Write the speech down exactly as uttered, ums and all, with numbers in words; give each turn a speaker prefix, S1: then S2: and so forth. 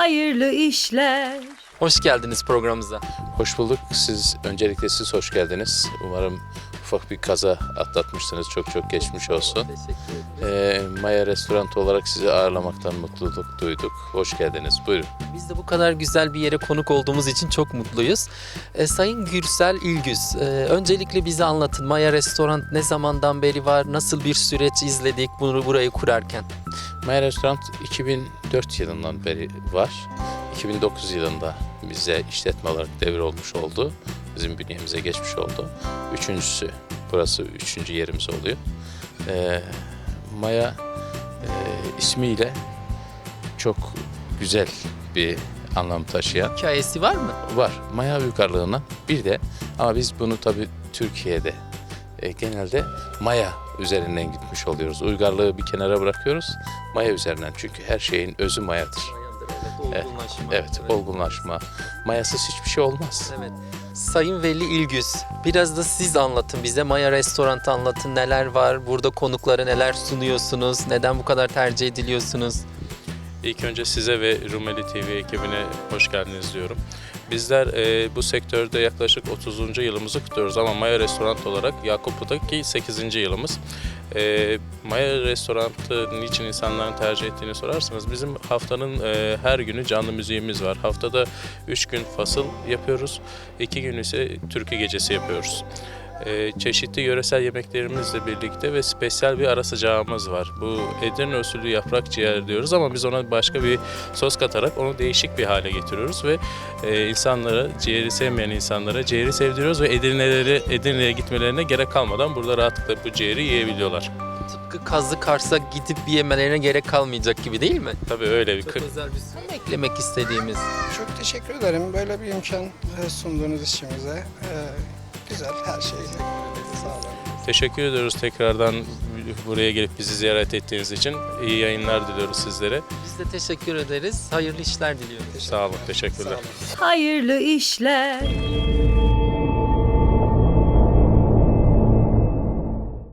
S1: hayırlı işler.
S2: Hoş geldiniz programımıza.
S3: Hoş bulduk. Siz öncelikle siz hoş geldiniz. Umarım ufak bir kaza atlatmışsınız. Çok çok geçmiş olsun.
S2: Teşekkür ederim.
S3: Ee, Maya Restoran olarak sizi ağırlamaktan mutluluk duyduk. Hoş geldiniz. Buyurun.
S2: Biz de bu kadar güzel bir yere konuk olduğumuz için çok mutluyuz. E, Sayın Gürsel İlgüz, e, öncelikle bize anlatın. Maya Restoran ne zamandan beri var? Nasıl bir süreç izledik bunu burayı kurarken?
S3: Maya Restoran iki bin dört yılından beri var. iki bin dokuz yılında bize işletme olarak devrolmuş oldu. Bizim bünyemize geçmiş oldu. Üçüncüsü, burası üçüncü yerimiz oluyor. Ee, Maya e, ismiyle çok güzel bir anlam taşıyan
S2: Hikayesi var mı?
S3: var. Maya uygarlığına bir de, ama biz bunu tabii Türkiye'de e, genelde Maya üzerinden gitmiş oluyoruz. Uygarlığı bir kenara bırakıyoruz. Maya üzerinden, çünkü her şeyin özü mayadır.
S2: Evet, olgunlaşma.
S3: Evet, olgunlaşma. Mayasız hiçbir şey olmaz.
S2: Evet. Sayın Veli İlgüz, biraz da siz anlatın bize. Maya Restoran'ı anlatın. Neler var? Burada konuklara neler sunuyorsunuz? Neden bu kadar tercih ediliyorsunuz?
S4: İlk önce size ve Rumeli T V ekibine hoş geldiniz diyorum. Bizler e, bu sektörde yaklaşık otuzuncu yılımızı kutluyoruz ama Maya Restoran olarak Yakuplu'daki sekizinci yılımız. E, Maya Restoran'ı niçin insanların tercih ettiğini sorarsanız, bizim haftanın e, her günü canlı müziğimiz var. Haftada üç gün fasıl yapıyoruz, iki gün ise türkü gecesi yapıyoruz. Ee, çeşitli yöresel yemeklerimizle birlikte ve spesiyel bir ara sıcağımız var. Bu Edirne usulü yaprak ciğer diyoruz ama biz ona başka bir sos katarak onu değişik bir hale getiriyoruz ve e, insanlara, ciğeri sevmeyen insanlara ciğeri sevdiriyoruz ve Edirne'leri, Edirne'ye gitmelerine gerek kalmadan burada rahatlıkla bu ciğeri yiyebiliyorlar.
S2: Tıpkı Kazlı Kars'a gidip bir yemelerine gerek kalmayacak gibi değil mi?
S4: Tabii öyle bir
S2: Çok
S4: kır.
S2: özel bir sunum eklemek istediğimiz.
S5: Çok teşekkür ederim böyle bir imkan e, sunduğunuz için bize. E, Güzel, her şeyle sağ olun.
S4: Teşekkür ediyoruz tekrardan buraya gelip bizi ziyaret ettiğiniz için. İyi yayınlar diliyoruz sizlere.
S2: Biz de teşekkür ederiz. Hayırlı işler diliyoruz.
S4: Sağ olun, teşekkürler.
S1: Hayırlı işler.